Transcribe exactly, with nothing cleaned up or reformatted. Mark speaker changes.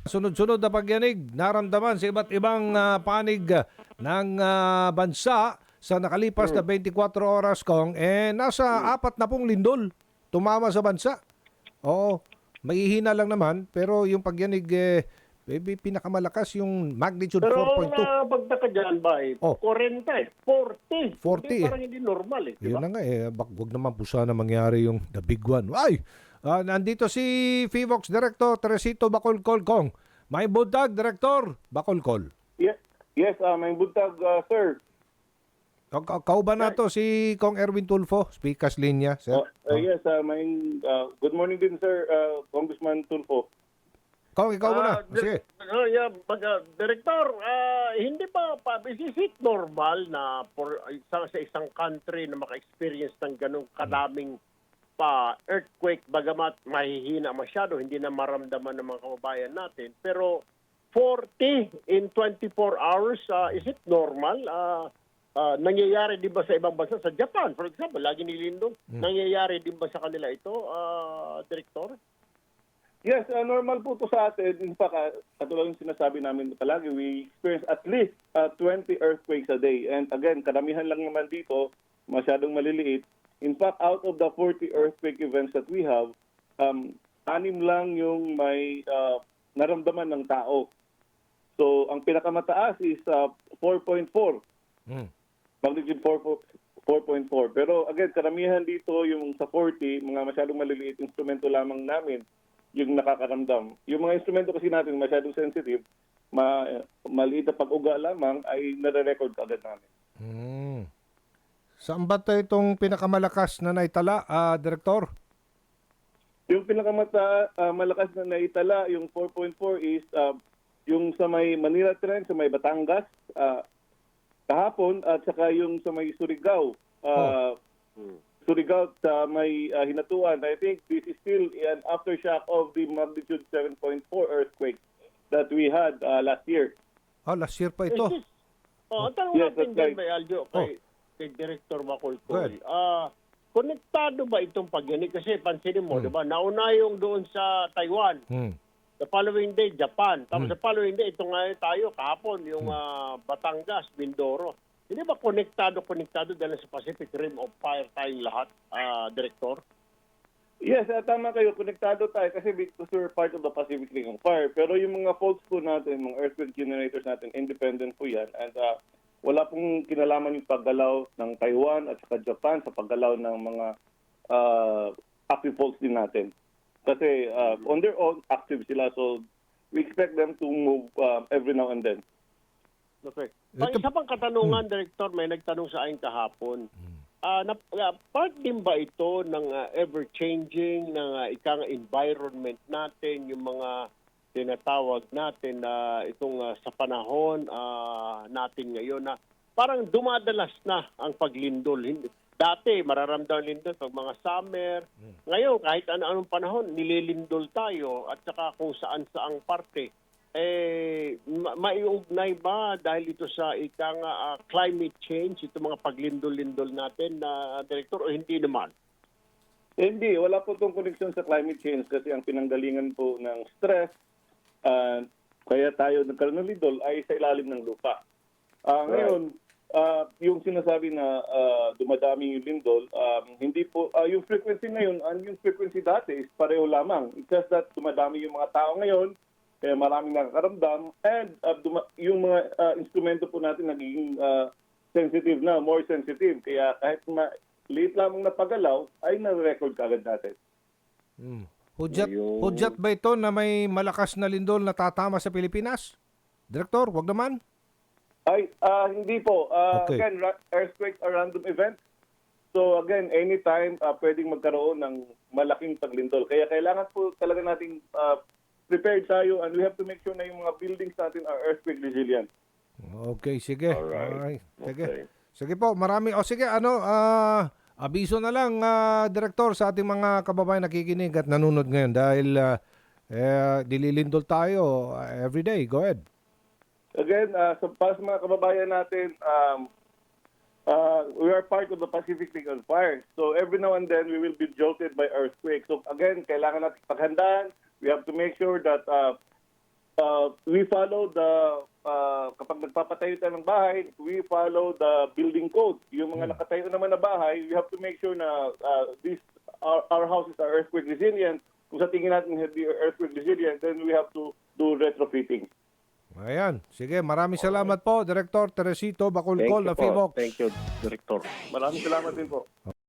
Speaker 1: Sunod-sunod na pagyanig naramdaman sa iba't ibang ah, panig ah, ng ah, bansa sa nakalipas na
Speaker 2: Hmm.
Speaker 1: twenty-four oras kong eh nasa apat na pong lindol tumama sa bansa. Oo, mahihina lang naman pero yung pagyanig eh eh, pinakamalakas yung magnitude
Speaker 2: Pero
Speaker 1: four
Speaker 2: ang
Speaker 1: point two.
Speaker 2: uh, pagtaka dyan ba eh,
Speaker 1: Oh,
Speaker 2: forty eh, forty.
Speaker 1: forty
Speaker 2: Hindi,
Speaker 1: eh.
Speaker 2: parang hindi normal eh, di
Speaker 1: Yun
Speaker 2: ba?
Speaker 1: na nga eh, bak wag naman po sana mangyari yung the big one. Ay, ah, nandito si Fivox Director Teresito Bacolcol Kong. May buntag, Director Bacolcol.
Speaker 3: Yes, yes, uh, may buntag, uh, sir.
Speaker 1: Ka- ka- Kau ba na to si Kong Erwin Tulfo? Speakers linya, sir.
Speaker 3: Uh, uh,
Speaker 1: Oh.
Speaker 3: yes, uh, may, uh, good morning din, sir, uh, Congressman Tulfo.
Speaker 1: Kong, ikaw muna.
Speaker 2: Ah, di-
Speaker 1: Sige.
Speaker 2: ah, yeah, mag, ah, Director, ah, hindi ba, pa, is it normal na for isang, sa isang country na maka-experience ng ganong kadaming pa earthquake, bagamat mahihina masyado, hindi na maramdaman ng mga kababayan natin. Pero forty in twenty-four hours, ah, is it normal? Ah, ah, nangyayari din ba sa ibang bansa? Sa Japan, for example, lagi nilindong. Nangyayari din ba sa kanila ito, ah, Director?
Speaker 3: Yes, uh, normal po to sa atin. In fact, uh, katulad ng sinasabi namin palagi, we experience at least uh, twenty earthquakes a day. And again, karamihan lang naman dito, masyadong maliliit. In fact, out of the forty earthquake events that we have, um, anim lang yung may uh, naramdaman ng tao. So, ang pinakamataas is uh, four point four.
Speaker 1: Hmm.
Speaker 3: Magnitude four point four. Pero again, karamihan dito yung sa forty, mga masyadong maliliit instrumento lamang namin yung nakakaramdam. Yung mga instrumento kasi natin masyadong sensitive, ma maliit na pag-uga lamang ay nare-record agad namin.
Speaker 1: Hmm. Saan ba to itong pinakamalakas na naitala, ah, Director?
Speaker 3: Yung pinakamata ah, malakas na naitala, yung four point four is ah, yung sa may Manila Trench, sa may Batangas, ah, kahapon, at saka yung sa may Surigao. ah, Surigao sa may ah, Hinatuan. I think this is still an aftershock of the magnitude seven point four earthquake that we had ah, last year.
Speaker 1: Ah, last year pa
Speaker 2: Is
Speaker 1: ito.
Speaker 2: this- Oh, ang tanong
Speaker 3: Yes,
Speaker 2: natin
Speaker 3: that's
Speaker 2: dyan,
Speaker 3: right.
Speaker 2: may Aljo, kay, kay Director
Speaker 1: Good.
Speaker 2: Bacolcol. Ah, konektado ba itong pagyanig? Kasi pansinin mo,
Speaker 1: Hmm.
Speaker 2: di ba, nauna yung doon sa Taiwan.
Speaker 1: Hmm.
Speaker 2: The following day, Japan. Tapos
Speaker 1: Hmm.
Speaker 2: the following day, ito nga yung tayo, kahapon, yung ah, Batangas, Mindoro. Hindi ba konektado, konektado dahil sa Pacific Rim of Fire tayong lahat, ah, Director?
Speaker 3: Yes, ah, tama kayo. Konektado tayo kasi because we're part of the Pacific Ring of Fire. Pero yung mga faults po natin, mga earthquake generators natin, independent po yan. And ah, wala pong kinalaman yung paggalaw ng Taiwan at saka Japan sa paggalaw ng mga uh, active faults din natin. Kasi ah, on their own, active sila. So we expect them to move ah, every now and then.
Speaker 2: Okay. Pang
Speaker 1: Ito-
Speaker 2: isa pang katanungan, Director, may nagtanong sa akin kahapon. Ah, na, ah, part din ba ito ng ah, ever-changing ng uh, ikang environment natin, yung mga tinatawag natin na itong ah, sa panahon ah, natin ngayon na parang dumadalas na ang paglindol. Hindi- Dati, mararamdaman lindol pag mga summer. Ngayon, kahit ano-anong panahon, nililindol tayo at saka kung saan-saang parte. Eh, ma- maiugnay ba dahil ito sa ikang ah, climate change, ito mga paglindol-lindol natin na Director, o hindi naman?
Speaker 3: Eh, hindi, wala po itong connection sa climate change kasi ang pinanggalingan po ng stress, ah, kaya tayo nagkaroon ng lindol ay sa ilalim ng lupa. Ah, ngayon, ah, yung sinasabi na ah, dumadami yung lindol, um, hindi po, ah, yung frequency ngayon, and yung frequency dati is pareho lamang. It's just that dumadami yung mga tao ngayon, kaya maraming nakakaramdam, and ah, duma- yung mga ah, instrumento po natin nagiging ah, sensitive na, more sensitive. Kaya kahit ma- liit lamang na paggalaw, ay na-record kagad natin.
Speaker 1: Hmm. Hudyat,
Speaker 2: Ayun.
Speaker 1: hudyat ba ito na may malakas na lindol na tatama sa Pilipinas? Director, wag naman.
Speaker 3: Ay, ah, hindi po. Ah,
Speaker 1: Okay.
Speaker 3: Again, ra- earthquakes are random events. So again, anytime ah, pwedeng magkaroon ng malaking paglindol. Kaya kailangan po talaga nating ah, prepared tayo, and we have to make sure na yung mga buildings natin are earthquake resilient.
Speaker 1: Okay, sige.
Speaker 2: Alright.
Speaker 1: Sige.
Speaker 2: Okay.
Speaker 1: Sige po, marami. O sige, ano, ah, abiso na lang, ah, Director, sa ating mga kababayan nakikinig at nanonood ngayon dahil ah, eh, dililindol tayo ah, every day. Go ahead.
Speaker 3: Again, uh, sa, para sa mga kababayan natin, um, uh, we are part of the Pacific Ring of Fire. So every now and then, we will be jolted by earthquakes. So again, kailangan natin paghandaan. We have to make sure that uh, uh, we follow the, uh, kapag nagpapatayo tayo ng bahay, we follow the building code. Yung mga nakatayo naman na bahay, we have to make sure na uh, these, our, our houses are earthquake resilient. Kung sa tingin natin hindi earthquake resilient, then we have to do retrofitting.
Speaker 1: Ayan. Sige, maraming salamat po, Director Teresito
Speaker 2: Thank
Speaker 1: Bacolcol
Speaker 2: you
Speaker 1: na
Speaker 2: po.
Speaker 1: Fivox.
Speaker 2: Thank you, Director.
Speaker 3: Maraming salamat din po.